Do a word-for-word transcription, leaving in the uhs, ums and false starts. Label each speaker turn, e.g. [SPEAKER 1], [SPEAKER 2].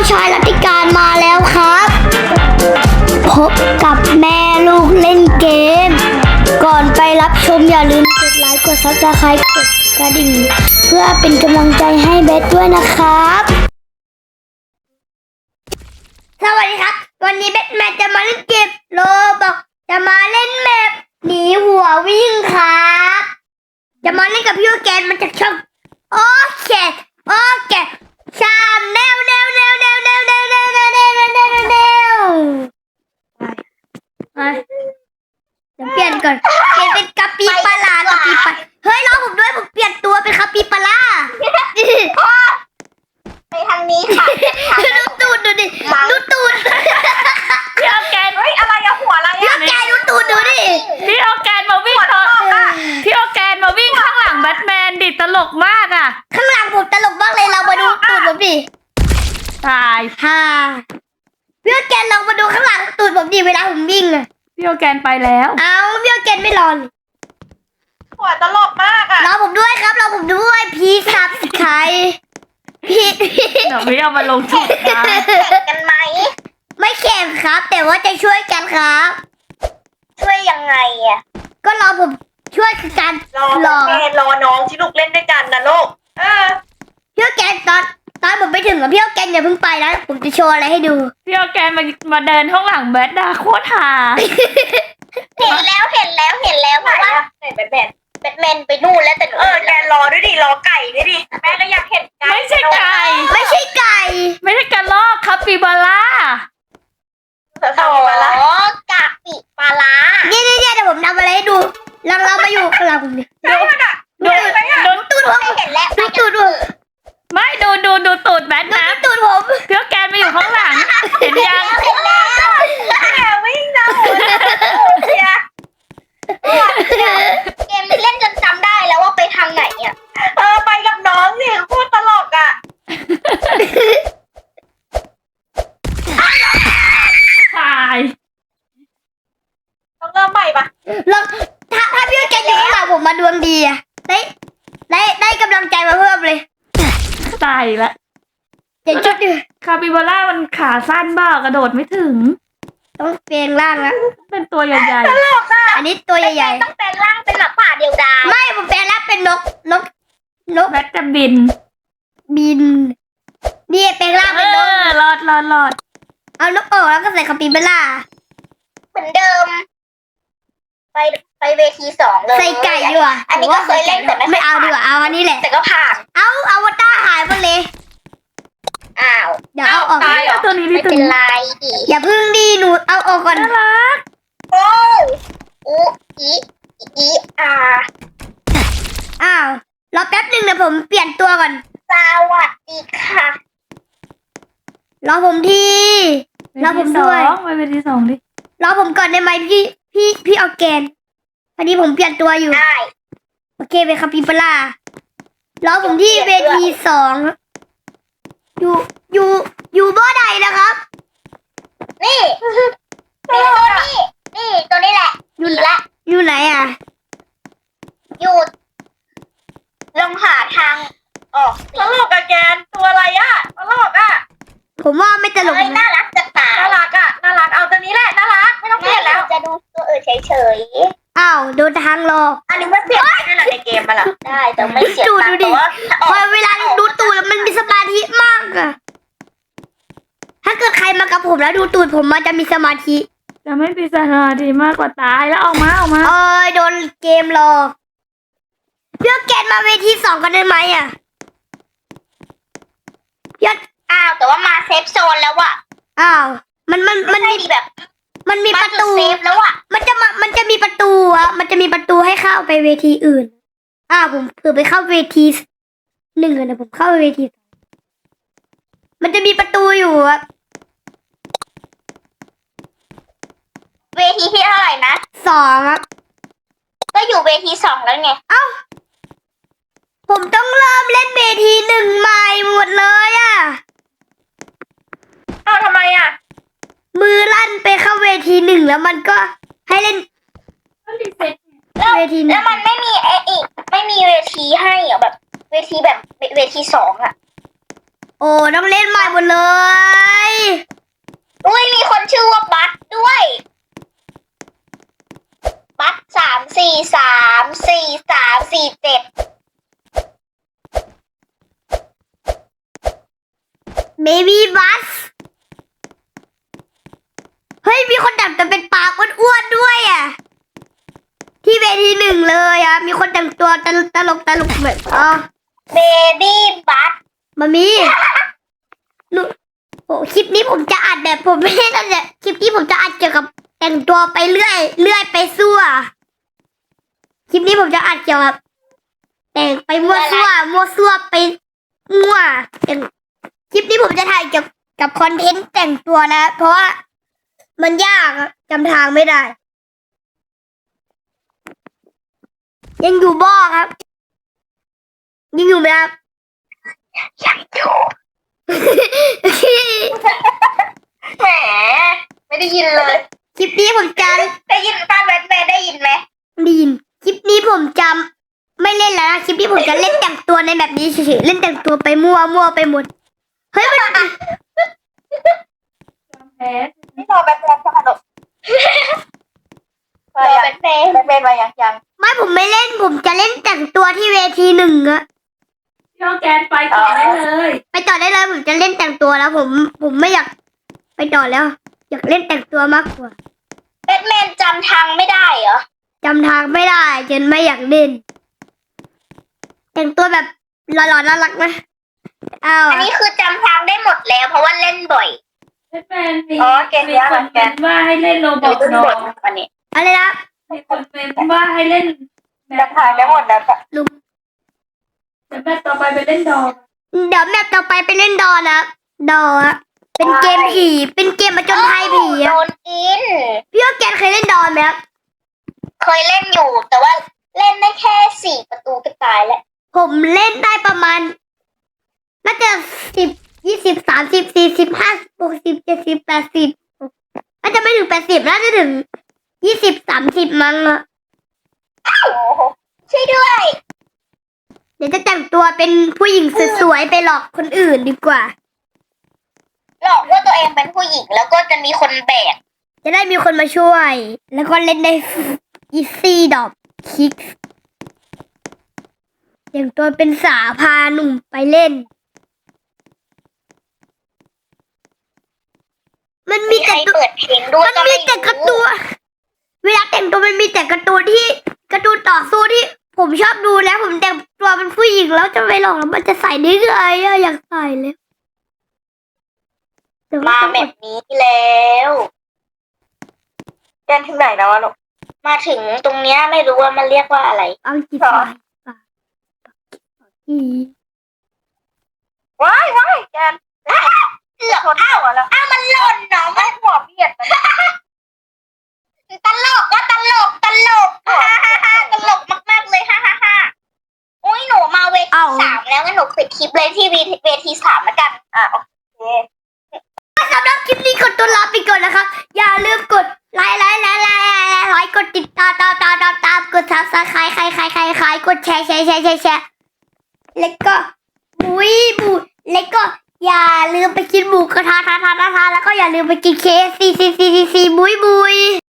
[SPEAKER 1] ชายรัติการมาแล้วครับพบกับแม่ลูกเล่นเกมก่อนไปรับชมอย่าลืมกดไลค์กดซับสไครต์กดกระดิ่งเพื่อเป็นกำลังใจให้เบสด้วยนะครับสวัสดีครับวันนี้เบสแมนจะมาเล่นเกมโลบอกจะมาเล่นแมปหนีหัววิ่งครับจะมาเล่นกับพี่โอแกนมันจะชอบโอเคโอเคชามแนวแนวแนวแนวแนวแนวแนวแนวแนวแนวแนวแนวไปเดี๋ยวเปลี่ยนก่อนเปลี่ยนเป็นกะปิปลาร้ากะปิปลาเฮ้ยรอผมด้วยผมเปลี่ยนตัวเป็นกะปิปลาร้า
[SPEAKER 2] ไปทางนี้ค่ะ
[SPEAKER 1] ดูตูดดูดิดูตูด
[SPEAKER 3] พี่ออร์แกนเฮ้ยอะไรอะหัวอะไรอะ
[SPEAKER 1] พี่ออร์แกนดูตูดดูดิ
[SPEAKER 3] พี่ออร์แกนมาวิ่งตอนพี่ออร์แกนมาวิ่งข้างหลังแบทแมนดิตลกมากอะ
[SPEAKER 1] ข้างหลังผมตลกมากเลยเรามาดูตูดผมดิ
[SPEAKER 3] ตาย
[SPEAKER 1] ฮ่าพี่ออร์แกนลองมาดูข้างหลังตูดผมดิเวลาผมวิ่งอะ
[SPEAKER 3] พี่ออร์แกนไปแล้ว
[SPEAKER 1] เอาพี่ออร์แกนไม่รอน
[SPEAKER 2] หัวตลกมากอะ
[SPEAKER 1] รอผมด้วยครับรอผมด้วยพี่ซับใครพี่
[SPEAKER 3] เดี๋ยวพี่เอามาลงทุนกัน
[SPEAKER 2] แข่งกันไหม
[SPEAKER 1] ไม่แข่งครับแต่ว่าจะช่วยกันครับ
[SPEAKER 2] ช่วยยังไงอะ
[SPEAKER 1] ก็รอผมช่วยกัน
[SPEAKER 2] รอรอรอน้องที่ลูกเล่นด้วยกันนะลูกเออ
[SPEAKER 1] พี่แกนตอนตอนผมไปถึงกับพี่แกนอย่าเพิ่งไปนะผมจะโชว์อะไรให้ดู
[SPEAKER 3] พี่ออร์แกนมามาเดินข้างหลังแบทดาโคตรหา
[SPEAKER 2] เห็นแล้วเห็นแล้วเห็นแล้วเพราะว่าแบทแบทแบทแมนไปนู่นแล้วแต่เออแกรอด้วยดิรอไก่ด้วยดิแม่ก็อยากเห็นไก่
[SPEAKER 3] ไม่ใช่ไก่
[SPEAKER 1] ไม่ใช่ไก่
[SPEAKER 3] ไม่ใช่กระรอกคาปิบาร่า
[SPEAKER 2] คาปิบาร่ากะปิปลาร้า
[SPEAKER 1] นี่นี่นี่เดี๋ยวผมทำอะไรให้ดูเราเรามาอยู่ข้างหลังผมดิ
[SPEAKER 2] ดูดูดูตูดผมเห็นแล้ว
[SPEAKER 1] ดูตูดผม
[SPEAKER 3] ไม่ดูดูดูตูดแบทนะ
[SPEAKER 1] ตูดผม
[SPEAKER 3] พี่แกนมาอยู่ข้างหลังเห็นยัง
[SPEAKER 2] เห็นแล้วแกวิ่งนะเชียเกมเล่นจนจำได้แล้วว่าไปทางไหนอ่ะเออไปกับน้องสิพูดตลกอ่ะ
[SPEAKER 3] ตาย
[SPEAKER 2] ต้องเริ่มใหม่ปะ
[SPEAKER 1] ลองถ้าถ้าพี่แกอยู่ข้างหลังผมมาดวงดีอะได้ได้ได้กำลังใจมาเพิ่มเลย
[SPEAKER 3] ตายละ
[SPEAKER 1] เดี๋ยวจุดดิ
[SPEAKER 3] คาปิบาร่ามันขาสั้นบ้ากระโดดไม่ถึง
[SPEAKER 1] ต้องเปลี่ยนร่างนะ
[SPEAKER 3] เป็นตัวใหญ่
[SPEAKER 2] ๆตลกอ่ะ
[SPEAKER 1] อันนี้ตัวใหญ่
[SPEAKER 2] ๆต้องแปลงร่างเป็นหมาป่าเดียวดาย
[SPEAKER 1] ไม่ผมแปลงร่างเป็นนกนกนก
[SPEAKER 3] แบทจะบิน
[SPEAKER 1] บินนี่แปลงร่างเป็นนก
[SPEAKER 3] รอดรอดรอด
[SPEAKER 1] เอานกออกแล้วก็ใส่คาปิบาร่า
[SPEAKER 2] เหมือนเดิมไปไปเวทีสองเลย
[SPEAKER 1] ใส่ไก่ดีกว่า
[SPEAKER 2] อันนี้ก็เคยเล่นแต่
[SPEAKER 1] ไม่เอาดีกว่าเอาอันนี้แหละ
[SPEAKER 2] แต่ก็ผ่าน
[SPEAKER 1] เอาเอาวตารหายไปเลย
[SPEAKER 2] อ้าว
[SPEAKER 1] เดี๋ยวเอาออก
[SPEAKER 3] ตัวนี้
[SPEAKER 2] ไม่เป็นไร
[SPEAKER 1] อย่าพึ่งดีหนูเอาออกก่อน
[SPEAKER 3] น่ารัก
[SPEAKER 2] โอ้อูอีอีอา
[SPEAKER 1] อ้าวรอแป๊บหนึ่งเดี๋ยวผมเปลี่ยนตัวก่อน
[SPEAKER 2] สวัสดีค่ะ
[SPEAKER 1] รอผมทีรอผมด้วย
[SPEAKER 3] ไปเป็นที่สองดิ
[SPEAKER 1] รอผมก่อนได้ไหมพี่พี่พี่ออร์แกนพอดีผมเปลี่ยนตัวอยู่
[SPEAKER 2] ได้
[SPEAKER 1] โอเคไปคาปิบาร่ารอผมที่เวทีสองอยู่อยู่อยู่บ่อใดนะครับ
[SPEAKER 2] นี่นี่ตัวนี้นี่ตัวนี้แหละ
[SPEAKER 1] อยู่ละอยู่ไหนอ่ะ
[SPEAKER 2] อยู่ลองหาทางออก
[SPEAKER 3] ตลกอะแกนตัวอะไรอะตลกอะ
[SPEAKER 1] ผมว่าไม่ตลก
[SPEAKER 2] น่ารักจะตาย
[SPEAKER 3] น่ารักอะน่ารักเอาตัวนี้แหละน่ารักไม่ต้องเปลี่ยนแล้ว
[SPEAKER 2] จะดูตัวอื่นเฉย
[SPEAKER 1] ๆอ้าวโดนทางหลอก
[SPEAKER 2] อันนี้ไม่เปลี่ยนได้หรอในเกมมาล่ะได้แต่ไม่เสียตังค์แต่ว่า
[SPEAKER 1] พอเวลาดูตูดมันมีสมาธิมากอะถ้าเกิดใครมากับผมแล้วดูตูดผมมันจะมีสมาธิ
[SPEAKER 3] จะไม่มีสมาธิมากกว่าตายแล้วออกมาออกมา
[SPEAKER 1] เอ้ยโดนเกมหลอกเพื่อแกนมาเวทีสองกันได้ไหมอ่ะเพื่อ
[SPEAKER 2] อ้าวแต่ว่ามาเซฟโซนแล้วอะ
[SPEAKER 1] อ้าวมันมันมันมี
[SPEAKER 2] แบบ
[SPEAKER 1] มันมีประตู
[SPEAKER 2] เซฟแล้วอะ
[SPEAKER 1] มันจะมามันจะมีประตูอะมันจะมีประตูให้เข้าไปเวทีอื่นอ้าวผมเผื่อไปเข้าเวทีหนึ่งนะผมเข้าเวทีมันจะมีประตูอยู่อะ
[SPEAKER 2] เวทีที่เท่าไหร่นะ
[SPEAKER 1] สองครับ
[SPEAKER 2] ก็อยู่เวทีสองแล้วไง
[SPEAKER 1] เอ้าผมต้องเริ่มเล่นเวทีหนึ่งใหม่หมดเลยอะ
[SPEAKER 2] เอ้าทำไมอะ
[SPEAKER 1] มือลั่นไปเข้าเวทีหนึ่งแล้วมันก็ให้เล่น
[SPEAKER 2] เวทีแล้วมันไม่มีไอ้อีกไม่มีเวทีให้เหรอแบบเวทีแบบเวทีสองอะ
[SPEAKER 1] โอ้ต้องเล่นใหม่หมดเลย
[SPEAKER 2] อุ้ยมีคนชื่อว่าบัตด้วย บัตสามสี่สามสี่สามสี่เจ็ด
[SPEAKER 1] เบบี้บัสเฮ้ยมีคนแต่งตัวเป็นปลาอ้วนๆด้วยอ่ะที่เวทีหนึ่งเลยอ่ะมีคนแต่งตัวตลกตลกตลกแบบอ๋อ
[SPEAKER 2] เบบี้บัต
[SPEAKER 1] มามีหนูโอ้คลิปนี้ผมจะอัดแบบผมไม่ได้ตั้งแต่คลิปนี้ผมจะอัดเกี่ยวกับแต่งตัวไปเรื่อยเรื่อยไปซั่วคลิปนี้ผมจะอัดเกี่ยวกับแต่งไปมั่วซั่วมั่วซั่วไปมั่วแต่งคลิปนี้ผมจะถ่ายเกี่ยวกับคอนเทนต์แต่งตัวนะเพราะว่ามันยากอะจำทางไม่ได้ ยังอยู่บ่อครับยังอยู่ไหมครับ
[SPEAKER 2] ยังอยู่ แหมไม่ได้ยินเลย
[SPEAKER 1] คลิปนี้ผมจะ
[SPEAKER 2] ได้ยินป้าแบทแมนได้ยินไหม
[SPEAKER 1] ไดีนคลิปนี้ผมจำไม่เล่นแล้วนะคลิปนี้ผมจะเล่นแต่งตัวในแบบนี้เฉยๆเล่นแต่งตัวไปมั่วมั่วไปหมดเฮ้ยมัน
[SPEAKER 3] แพ้
[SPEAKER 2] ไม่รอแบทแมนสักหน่อยรอแบทแมนแบทแมนมายังยัง
[SPEAKER 1] ไม่ผมไม่เล่นผมจะเล่นแต่งตัวที่เวทีหนึ่งอะ
[SPEAKER 3] พี่ออร์แกนไปต่อได้เลย
[SPEAKER 1] ไปต่อได้เลยผมจะเล่นแต่งตัวแล้ว ผมผมไม่อยากไปต่อแล้ว อยากเล่นแต่งตัวมากกว่า
[SPEAKER 2] แบทแมนจำทางไม่ได้เหรอ
[SPEAKER 1] จำทางไม่ได้จนไม่อยากเล่น แต่งตัวแบบหล่อๆน่ารักนะเอา
[SPEAKER 2] อันนี้คือจำทางได้หมดแล้ว เพราะว่าเล่นบ่อย
[SPEAKER 3] แบทแมนมี
[SPEAKER 2] อ๋อเกม
[SPEAKER 3] มี
[SPEAKER 2] เนี้ย
[SPEAKER 3] คน
[SPEAKER 2] เหมือนกั
[SPEAKER 3] เป็น นว่าให้เล่นโรบอทดอ
[SPEAKER 2] อันนี้
[SPEAKER 1] อะไรนะ
[SPEAKER 3] มีคนเป็นว่าให้เล่น
[SPEAKER 2] จำทางได้หมดแล้วค่ะ
[SPEAKER 1] ลุง
[SPEAKER 3] แต่แม่ต่อไปไปเล่นดอ
[SPEAKER 1] เดี๋ยวแมปต่อไปไปเล่นดอนะดออะเป็นเกมผีเป็นเกมประจนภัยผี
[SPEAKER 2] โด
[SPEAKER 1] อะ
[SPEAKER 2] นกิน
[SPEAKER 1] พี่ว่าแกนเคยเล่นดอไหมครับ
[SPEAKER 2] เคยเล่นอยู่ แต่ว่าเล่นได้แค่สี่ประตูก็ตายแล้ว
[SPEAKER 1] ผมเล่นได้ประมาณน่าจะสิบยี่สิบสามสิบสี่สิบห้าหกสิบเจ็ดสิบแปดสิบน่าจะไม่ถึงแปดสิบน่าจะถึงยี่สิบสามสิบมั้งอะ
[SPEAKER 2] โอ้โหช่วยด้วย
[SPEAKER 1] เดี๋ยวจะแต่งตัวเป็นผู้หญิงสวยๆไปหลอกคนอื่นดีกว่า
[SPEAKER 2] หลอกว่าตัวเองเป็นผู้หญิงแล้วก็จะมีคนแบก
[SPEAKER 1] จะได้มีคนมาช่วย แล้วก็เล่นได้อีซี่ดอกคิกอย่างตัวเป็นสาพาหนุ่มไปเล่น มันมี
[SPEAKER 2] มีใคร
[SPEAKER 1] แต่ตัว
[SPEAKER 2] เปิดเพลงด้วย
[SPEAKER 1] มัน
[SPEAKER 2] ก็
[SPEAKER 1] มี
[SPEAKER 2] ไม่
[SPEAKER 1] แต่การ์ตู
[SPEAKER 2] รู้
[SPEAKER 1] นเวลาแต่งตัวมันมีแต่การ์ตูนที่การ์ตูนต่อสู้ที่ ผมชอบดูแล้วผมแต่งตัวเป็นผู้หญิงแล้วจะไปหลอกแล้วมันจะใส่ได้ไงอะอยากใส่เลยแต่ว่า
[SPEAKER 2] มา
[SPEAKER 1] ต้อง
[SPEAKER 2] แบ
[SPEAKER 1] อด
[SPEAKER 2] บนี้แล้วแกนถึงไหนแล้วอะลูกมาถึงตรงเนี้ยไม่รู้ว่ามันเรียกว่าอะไร
[SPEAKER 1] เอาจิตใจปากอี
[SPEAKER 2] ว้ายว้ายแกนเกือบอ้าวแล้วอ้าวมันหล่นเนาะมันหัวเบียดมันตลกก็ตลกตลกฮ่าฮ่าฮ่าตลกมากๆเลยฮ่าฮ่าฮ่าอุ้ยหนูมาเวทีสามแล้วงั้นหนูปิดคลิปเลยที่เวทีสามแล้วกันอ่ะโอเค
[SPEAKER 1] สำหรับคลิปนี้ขอตัวลาไปก่อนนะครับอย่าลืมกดไลค์ไลค์ไลค์ไลค์ไลค์ไลค์กดติดตามตามตามตามตามกดซับสไครต์ใครใครใครใครกดแชร์แชร์แชร์แชร์แชร์แล้วก็บุยบุยแล้วก็อย่าลืมไปกินหมูกระทะทาทาทาทาแล้วก็อย่าลืมไปกินเคฟซีซีซีซีบุยบุย